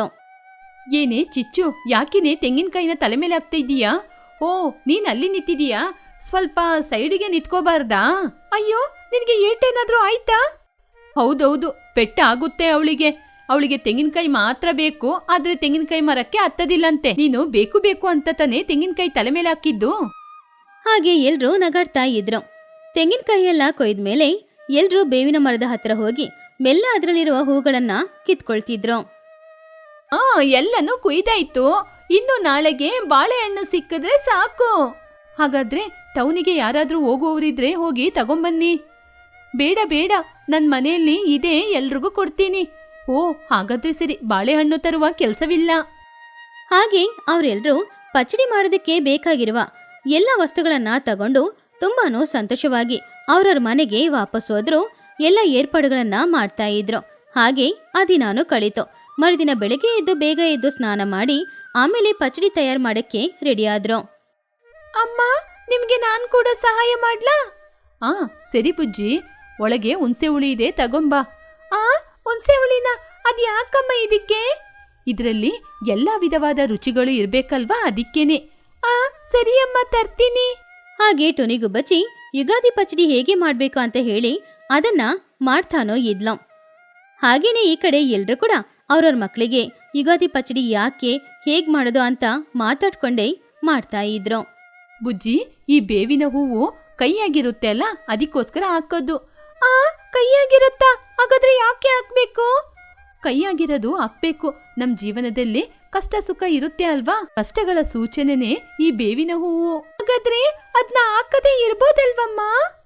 C: ಏನೇ ಚಿಚ್ಚು, ಯಾಕಿನೇ ತೆಂಗಿನಕಾಯಿನ ತಲೆ ಮೇಲೆ ಹಾಕ್ತಾ ಇದ್ದೀಯಾ? ಓ, ನೀನ್ ಅಲ್ಲಿ ನಿಂತಿದೀಯಾ? ಸ್ವಲ್ಪ ಸೈಡಿಗೆ ನಿಂತ್ಕೋಬಾರ್ದಾ?
B: ಅಯ್ಯೋ, ನಿನ್ಗೆ ಏಟೇನಾದ್ರೂ ಆಯ್ತಾ?
C: ಹೌದೌದು, ಪೆಟ್ಟ ಆಗುತ್ತೆ ಅವಳಿಗೆ. ಅವಳಿಗೆ ತೆಂಗಿನಕಾಯಿ ಮಾತ್ರ ಬೇಕು, ಆದ್ರೆ ತೆಂಗಿನಕಾಯಿ ಮರಕ್ಕೆ ಹತ್ತದಿಲ್ಲಂತೆ. ನೀನು ಬೇಕು ಬೇಕು ಅಂತ ತಾನೇ ತೆಂಗಿನಕಾಯಿ ತಲೆ ಮೇಲೆ ಹಾಕಿದ್ದು.
A: ಹಾಗೆ ಎಲ್ರೂ ನಗಾಡ್ತಾ ಇದ್ರು. ತೆಂಗಿನಕಾಯಿ ಎಲ್ಲ ಕೊಯ್ದ್ಮೇಲೆ ಎಲ್ರೂ ಬೇವಿನ ಮರದ ಹತ್ರ ಹೋಗಿ ಮೆಲ್ಲ ಅದರಲ್ಲಿರುವ ಹೂಗಳನ್ನ ಕಿತ್ಕೊಳ್ತಿದ್ರು.
C: ಆ, ಎಲ್ಲನೂ ಕುಯ್ದಾಯ್ತು. ಇನ್ನು ನಾಳೆಗೆ ಬಾಳೆಹಣ್ಣು ಸಿಕ್ಕಿದ್ರೆ ಸಾಕು. ಹಾಗಾದ್ರೆ ಟೌನಿಗೆ ಯಾರಾದ್ರೂ ಹೋಗುವವರಿದ್ರೆ ಹೋಗಿ ತಗೊಂಬನ್ನಿ. ಬೇಡ ಬೇಡ ನನ್ ಮನೆಯಲ್ಲಿ ಇದೆ, ಎಲ್ರಿಗೂ ಕೊಡ್ತೀನಿ. ಓ ಹಾಗಾದ್ರೆ ಸರಿ, ಬಾಳೆಹಣ್ಣು ತರುವ ಕೆಲ್ಸವಿಲ್ಲ.
A: ಹಾಗೆ ಅವರೆಲ್ಲರೂ ಪಚಡಿ ಮಾಡೋದಕ್ಕೆ ಬೇಕಾಗಿರುವ ಎಲ್ಲ ವಸ್ತುಗಳನ್ನ ತಗೊಂಡು ತುಂಬಾನು ಸಂತೋಷವಾಗಿ ಅವ್ರವ್ರ ಮನೆಗೆ ವಾಪಸ್ ಹೋದ್ರು. ಎಲ್ಲ ಏರ್ಪಾಡುಗಳನ್ನ ಮಾಡ್ತಾ ಇದ್ರು. ಹಾಗೆ ಆ ದಿನಾನು ಕಳೀತು. ಮರುದಿನ ಬೆಳಗ್ಗೆ ಎದ್ದು ಬೇಗ ಎದ್ದು ಸ್ನಾನ ಮಾಡಿ ಆಮೇಲೆ ಪಚಡಿ ತಯಾರು ಮಾಡಕ್ಕೆ ರೆಡಿ ಆದ್ರು.
B: ಅಮ್ಮ, ನಿಮ್ಗೆ ನಾನ್ ಕೂಡ ಸಹಾಯ ಮಾಡ್ಲಾ?
C: ಆ ಸರಿ ಬುಜ್ಜಿ, ಒಳಗೆ ಹುಣಸೆ ಹುಳಿ ಇದೆ, ತಗೊಂಬಾ.
B: ಆ ಹುಣ್ಸೆ ಹುಳಿನ? ಅದ್ ಯಾಕಮ್ಮ ಇದಕ್ಕೆ?
C: ಇದ್ರಲ್ಲಿ ಎಲ್ಲಾ ವಿಧವಾದ ರುಚಿಗಳು ಇರ್ಬೇಕಲ್ವಾ, ಅದಕ್ಕೇನೆ.
B: ಆ ಸರಿ ಅಮ್ಮ, ತರ್ತೀನಿ.
A: ಹಾಗೆ ಟುನಿಗುಬ್ಬಚ್ಚಿ ಯುಗಾದಿ ಪಚಡಿ ಹೇಗೆ ಮಾಡ್ಬೇಕು ಅಂತ ಹೇಳಿ ಅದನ್ನ ಮಾಡ್ತಾನೋ ಇದ್ಲೋ. ಹಾಗೇನೆ ಈ ಕಡೆ ಎಲ್ರು ಕೂಡ ಅವ್ರವ್ರ ಮಕ್ಕಳಿಗೆ ಯುಗಾದಿ ಪಚಡಿ ಯಾಕೆ ಹೇಗ್ ಮಾಡೋದು ಅಂತ ಮಾತಾಡ್ಕೊಂಡೇ ಮಾಡ್ತಾ ಇದ್ರು.
C: ಬುಜ್ಜಿ, ಈ ಬೇವಿನ ಹೂವು ಕೈಯಾಗಿರುತ್ತೆ ಅಲ್ಲ, ಅದಕ್ಕೋಸ್ಕರ ಹಾಕೋದು.
B: ಆ ಕೈಯಾಗಿರುತ್ತಾ? ಹಾಗಾದ್ರೆ ಯಾಕೆ ಹಾಕ್ಬೇಕು?
C: ಕೈಯಾಗಿರೋದು ಹಾಕ್ಬೇಕು. ನಮ್ ಜೀವನದಲ್ಲಿ ಕಷ್ಟ ಸುಖ ಇರುತ್ತೆ ಅಲ್ವಾ, ಕಷ್ಟಗಳ ಸೂಚನೆನೇ ಈ ಬೇವಿನ ಹೂವು.
B: ಹಾಗಾದ್ರೆ ಅದ್ನ ಹಾಕದೇ ಇರ್ಬೋದಲ್ವಮ್ಮ?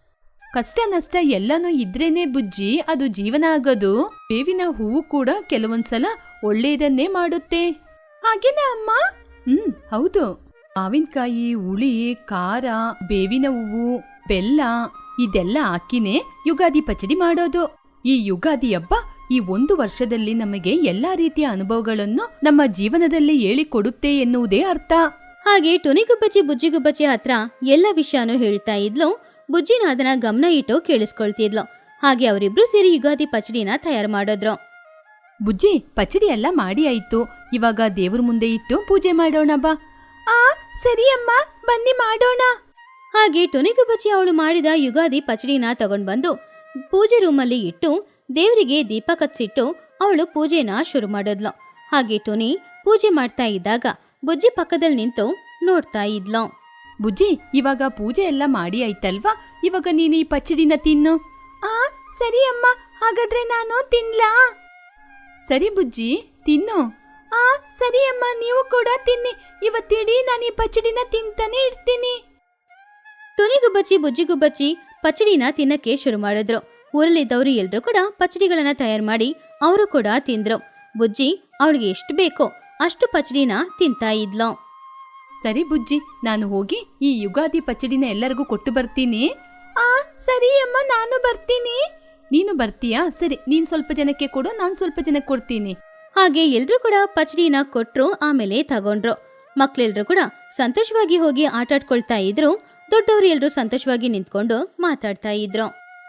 C: ಕಷ್ಟ ನಷ್ಟ ಎಲ್ಲಾನು ಇದ್ರೇನೆ ಬುಜ್ಜಿ ಅದು ಜೀವನ ಆಗೋದು. ಬೇವಿನ ಹೂವು ಕೂಡ ಕೆಲವೊಂದ್ಸಲ ಒಳ್ಳೆಯದನ್ನೇ ಮಾಡುತ್ತೆ.
B: ಹಾಗೇನಾ ಅಮ್ಮ?
C: ಹ್ಮ್ ಹೌದು. ಮಾವಿನಕಾಯಿ, ಹುಳಿ, ಖಾರ, ಬೇವಿನ ಹೂವು, ಬೆಲ್ಲ ಇದೆಲ್ಲ ಹಾಕಿನೇ ಯುಗಾದಿ ಪಚಡಿ ಮಾಡೋದು. ಈ ಯುಗಾದಿ ಹಬ್ಬ ಈ ಒಂದು ವರ್ಷದಲ್ಲಿ ನಮಗೆ ಎಲ್ಲಾ ರೀತಿಯ ಅನುಭವಗಳನ್ನು ನಮ್ಮ ಜೀವನದಲ್ಲಿ ಹೇಳಿಕೊಡುತ್ತೆ ಎನ್ನುವುದೇ ಅರ್ಥ.
A: ಹಾಗೆ ಟುನಿಗುಬ್ಬಚ್ಚಿ ಬುಜ್ಜಿಗುಬ್ಬಚ್ಚಿ ಹತ್ರ ಎಲ್ಲ ವಿಷಯನೂ ಹೇಳ್ತಾ ಇದ್ಲು. ಬುಜ್ಜಿನ ಅದನ್ನ ಗಮನ ಇಟ್ಟು ಕೇಳಿಸ್ಕೊಳ್ತಿದ್ಲು. ಹಾಗೆ ಅವರಿಬ್ರು ಸೇರಿ ಯುಗಾದಿ ಪಚಡಿನ ತಯಾರು ಮಾಡಿದ್ರು.
C: ಬುಜ್ಜಿ, ಪಚಡಿ ಎಲ್ಲ ಮಾಡಿ ಆಯ್ತು, ಇವಾಗ ದೇವ್ರ ಮುಂದೆ ಇಟ್ಟು ಪೂಜೆ ಮಾಡೋಣ ಬಾ.
B: ಆ ಸರಿ ಅಮ್ಮ, ಬನ್ನಿ ಮಾಡೋಣ.
A: ಹಾಗೆ ಟುನಿಗುಬ್ಬಚ್ಚಿ ಅವಳು ಮಾಡಿದ ಯುಗಾದಿ ಪಚಡಿನ ತಗೊಂಡ್ ಬಂದು ಪೂಜೆ ರೂಮಲ್ಲಿ ಇಟ್ಟು ದೇವರಿಗೆ ದೀಪ ಕತ್ಸಿಟ್ಟು ಅವಳು ಪೂಜೆನ ಶುರು ಮಾಡಿದ್ಲು. ಹಾಗೆ ಟುನಿ ಪೂಜೆ ಮಾಡ್ತಾ ಇದ್ದಾಗ ಬುಜ್ಜಿ ಪಕ್ಕದಲ್ಲಿ ನಿಂತು ನೋಡ್ತಾ ಇದ್ಲು.
C: ಬುಜ್ಜಿ, ಇವಾಗ ಪೂಜೆ ಎಲ್ಲ ಮಾಡಿ ಆಯ್ತಲ್ವಾ, ಇವಾಗ ನೀನು ಈ ಪಚಡಿನ ತಿನ್ನು.
B: ಆ ಸರಿ ಅಮ್ಮ, ಹಾಗಾದ್ರೆ ನಾನು ತಿನ್ಲಾ?
C: ಸರಿ ಬುಜ್ಜಿ, ತಿನ್ನು.
B: ಆ ಸರಿ ಅಮ್ಮ, ನೀವು ಕೂಡ ತಿನ್ನಿ. ಇವತ್ತಿಡೀ ನಾನು ಈ ಪಚಡಿನ ತಿಂತಾನೆ ಇರ್ತೀನಿ.
A: ಟುನಿಗುಬ್ಬಚ್ಚಿ ಬುಜ್ಜಿಗುಬ್ಬಚ್ಚಿ ಪಚಡಿನ ತಿನ್ನಕ್ಕೆ ಶುರು ಮಾಡಿದ್ರು. ಊರಲ್ಲಿದ್ದವರು ಎಲ್ರು ಕೂಡ ಪಚಡಿಗಳನ್ನ ತಯಾರು ಮಾಡಿ ಅವರು ಕೂಡ ತಿಂದ್ರು. ಬುಜ್ಜಿ ಅವಳಿಗೆ ಎಷ್ಟು ಬೇಕೋ ಅಷ್ಟು ಪಚಡಿನ ತಿಂತಾ ಇದ್ಲು.
C: ಸರಿ ಬುಜ್ಜಿ, ನಾನು ಹೋಗಿ ಈ ಯುಗಾದಿ ಪಚಡಿನ ಎಲ್ಲರಿಗೂ ಕೊಟ್ಟು ಬರ್ತೀನಿ.
B: ಆ ಸರಿ ಅಮ್ಮ, ನಾನು ಬರ್ತೀನಿ.
C: ನೀನು ಬರ್ತೀಯಾ? ಸರಿ, ನೀನ್ ಸ್ವಲ್ಪ ಜನಕ್ಕೆ ಕೊಡು, ನಾನ್ ಸ್ವಲ್ಪ ಜನಕ್ಕೆ ಕೊಡ್ತೀನಿ.
A: ಹಾಗೆ ಎಲ್ರು ಕೂಡ ಪಚಡಿನ ಕೊಟ್ರು. ಆಮೇಲೆ ತಗೊಂಡ್ರು. ಮಕ್ಳೆಲ್ರು ಕೂಡ ಸಂತೋಷವಾಗಿ ಹೋಗಿ ಆಟಾಡ್ಕೊಳ್ತಾ ಇದ್ರು. ದೊಡ್ಡವರು ಎಲ್ರು ಸಂತೋಷವಾಗಿ ನಿಂತ್ಕೊಂಡು ಮಾತಾಡ್ತಾ ಇದ್ರು.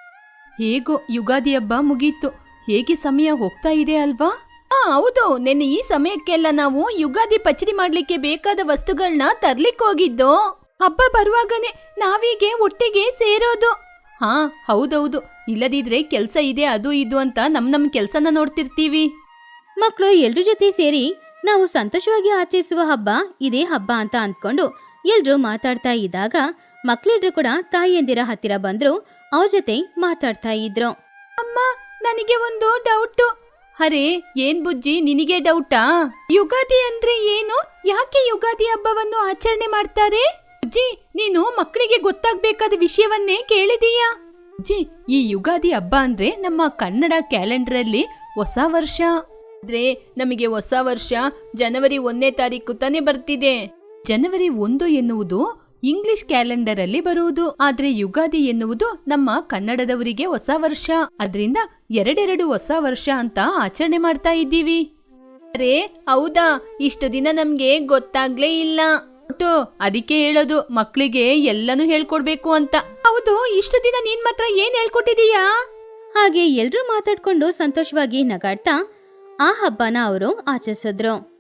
C: ಹೇಗೋ ಯುಗಾದಿ ಹಬ್ಬ ಮುಗೀತು. ಹೇಗೆ ಸಮಯ ಹೋಗ್ತಾ ಇದೆ ಅಲ್ವಾ? ಆ ಹೌದು, ನೆನ್ನೆ ಈ ಸಮಯಕ್ಕೆಲ್ಲ ನಾವು ಯುಗಾದಿ ಪಚಡಿ ಮಾಡ್ಲಿಕ್ಕೆ ಬೇಕಾದ ವಸ್ತುಗಳನ್ನ ತರ್ಲಿಕ್ಕೆ ಹೋಗಿದ್ದು.
B: ಹಬ್ಬ ಬರುವಾಗನೆ ನಾವೀಗೆ ಒಟ್ಟಿಗೆ ಸೇರೋದು.
C: ಹಾ ಹೌದೌದು, ಇಲ್ಲದಿದ್ರೆ ಕೆಲ್ಸ ಇದೆ ಅದು ಇದು ಅಂತ ನಮ್ ನಮ್ ಕೆಲ್ಸನ ನೋಡ್ತಿರ್ತೀವಿ.
A: ಮಕ್ಕಳು ಎಲ್ರ ಜೊತೆ ಸೇರಿ ನಾವು ಸಂತೋಷವಾಗಿ ಆಚರಿಸುವ ಹಬ್ಬ ಇದೇ ಹಬ್ಬ ಅಂತ ಅಂದ್ಕೊಂಡು ಎಲ್ರು ಮಾತಾಡ್ತಾ ಇದ್ದಾಗ ಮಕ್ಳೆಲ್ರು ಕೂಡ ತಾಯಿಯಂದಿರ ಹತ್ತಿರ ಬಂದ್ರು. ಅವ್ರ ಜೊತೆ ಮಾತಾಡ್ತಾ ಇದ್ರು.
B: ಅಮ್ಮ, ನನಗೆ ಒಂದು ಡೌಟು.
C: ಅರೆ ಏನ್ ಬುಜ್ಜಿ, ನಿನಗೆ ಡೌಟಾ?
B: ಯುಗಾದಿ ಅಂದ್ರೆ ಏನು? ಯಾಕೆ ಯುಗಾದಿ ಹಬ್ಬವನ್ನು ಆಚರಣೆ ಮಾಡ್ತಾರೆ?
C: ಬುಜ್ಜಿ, ನೀನು ಮಕ್ಕಳಿಗೆ ಗೊತ್ತಾಗ್ಬೇಕಾದ ವಿಷಯವನ್ನೇ ಕೇಳಿದೀಯಾ? ಬುಜ್ಜಿ, ಈ ಯುಗಾದಿ ಹಬ್ಬ ಅಂದ್ರೆ ನಮ್ಮ ಕನ್ನಡ ಕ್ಯಾಲೆಂಡರ್ ಅಲ್ಲಿ ಹೊಸ ವರ್ಷ. ಆದ್ರೆ ನಮಗೆ ಹೊಸ ವರ್ಷ ಜನವರಿ ಒಂದನೇ ತಾರೀಕು ತಾನೇ ಬರ್ತಿದೆ. ಜನವರಿ ಒಂದು ಎನ್ನುವುದು ಇಂಗ್ಲಿಷ್ ಕ್ಯಾಲೆಂಡರ್ ಅಲ್ಲಿ ಬರುವುದು. ಆದ್ರೆ ಯುಗಾದಿ ಎನ್ನುವುದು ನಮ್ಮ ಕನ್ನಡದವರಿಗೆ ಹೊಸ ವರ್ಷ. ಅದ್ರಿಂದ ಎರಡೆರಡು ಹೊಸ ವರ್ಷ ಅಂತ ಆಚರಣೆ ಮಾಡ್ತಾ ಇದ್ದೀವಿ. ಅರೆ ಹೌದಾ? ಇಷ್ಟು ದಿನ ನಮ್ಗೆ ಗೊತ್ತಾಗ್ಲೇ ಇಲ್ಲ. ಅದಕ್ಕೆ ಹೇಳೋದು ಮಕ್ಕಳಿಗೆ ಎಲ್ಲನೂ ಹೇಳ್ಕೊಡ್ಬೇಕು ಅಂತ.
B: ಹೌದು, ಇಷ್ಟು ದಿನ ನೀನ್ ಮಾತ್ರ ಏನ್ ಹೇಳ್ಕೊಟ್ಟಿದೀಯಾ?
A: ಹಾಗೆ ಎಲ್ರೂ ಮಾತಾಡ್ಕೊಂಡು ಸಂತೋಷವಾಗಿ ನಗಾಡ್ತಾ ಆ ಹಬ್ಬನ ಅವರು ಆಚರಿಸಿದ್ರು.